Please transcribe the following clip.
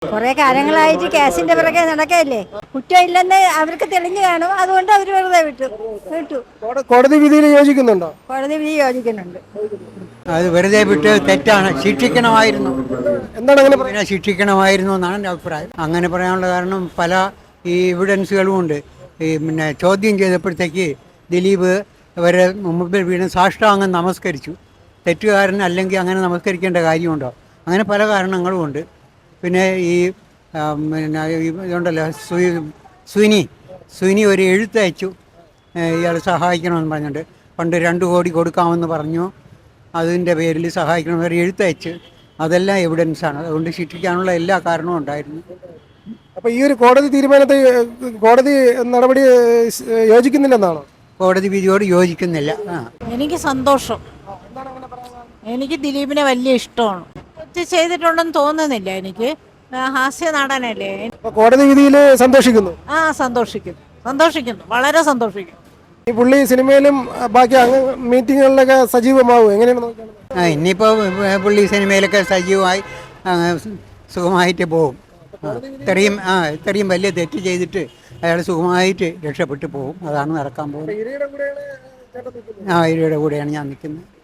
കുറെ കാലങ്ങളായിട്ട് കേസിന്റെ പിറകെ നടക്കല്ലേ. കുറ്റമില്ലെന്ന് അവർക്ക് തെളിഞ്ഞു കാണും, അതുകൊണ്ട് അവർ വെറുതെ വിട്ടു. കോടതി വിധിയിൽ യോജിക്കുന്നുണ്ടോ? കോടതി വിധി യോജിക്കുന്നുണ്ട്. അത് വെറുതെ വിട്ട് തെറ്റാണ്, ശിക്ഷിക്കണമായിരുന്നു. എന്താണ് അങ്ങനെ പിന്നെ ശിക്ഷിക്കണമായിരുന്നു എന്നാണ് എൻ്റെ അഭിപ്രായം. അങ്ങനെ പറയാനുള്ള കാരണം പല ഈ എവിഡൻസുകളും ഉണ്ട്. പിന്നെ ചോദ്യം ചെയ്തപ്പോഴത്തേക്ക് ദിലീപ് അവരെ മുമ്പിൽ വീണ് സാഷ്ടാംഗം നമസ്കരിച്ചു. തെറ്റുകാരൻ അല്ലെങ്കിൽ അങ്ങനെ നമസ്കരിക്കേണ്ട കാര്യമുണ്ടോ? അങ്ങനെ പല കാരണങ്ങളും ഉണ്ട്. പിന്നെ ഈ പിന്നെ ഇതുണ്ടല്ലോ സുനി ഒരു എഴുത്തയച്ചു ഇയാൾ സഹായിക്കണമെന്ന് പറഞ്ഞിട്ട്. പണ്ട് 2 കോടി കൊടുക്കാമെന്ന് പറഞ്ഞു, അതിൻ്റെ പേരിൽ സഹായിക്കണമെന്ന് ഒരു എഴുത്തയച്ച്. അതെല്ലാം എവിഡൻസാണ്. അതുകൊണ്ട് ശിക്ഷിക്കാനുള്ള എല്ലാ കാരണവും ഉണ്ടായിരുന്നു. അപ്പോൾ ഈ ഒരു കോടതി തീരുമാനത്തെ കോടതി നടപടി യോജിക്കുന്നില്ലെന്നാണോ? കോടതി വിധിയോട് യോജിക്കുന്നില്ല. എനിക്ക് സന്തോഷം. എനിക്ക് ദിലീപിനെ വലിയ ഇഷ്ടമാണ്. തെറ്റ് ചെയ്തിട്ടുണ്ടെന്ന് തോന്നുന്നില്ല. എനിക്ക് ഹാസ്യ നടനല്ലേ. കോടതി വിധിയിൽ സന്തോഷിക്കുന്നു. സന്തോഷിക്കുന്നു, വളരെ സന്തോഷിക്കുന്നു. ഈ പുള്ളി സിനിമയിലും ബാക്കി മീറ്റിങ്ങുകളിലൊക്കെ സജീവമാവും. എങ്ങനെയാണ് നോക്കുന്നത്? ഇനിയിപ്പോൾ പുള്ളി സിനിമയിലൊക്കെ സജീവമായി സുഖമായിട്ട് പോകും. ഇത്രയും വലിയ തെറ്റ് ചെയ്തിട്ട് അയാൾ സുഖമായിട്ട് രക്ഷപ്പെട്ടു പോകും. അതാണ് നടക്കാൻ പോകുന്നത്. ഇരയുടെ കൂടെയാണ് ഞാൻ നിൽക്കുന്നത്.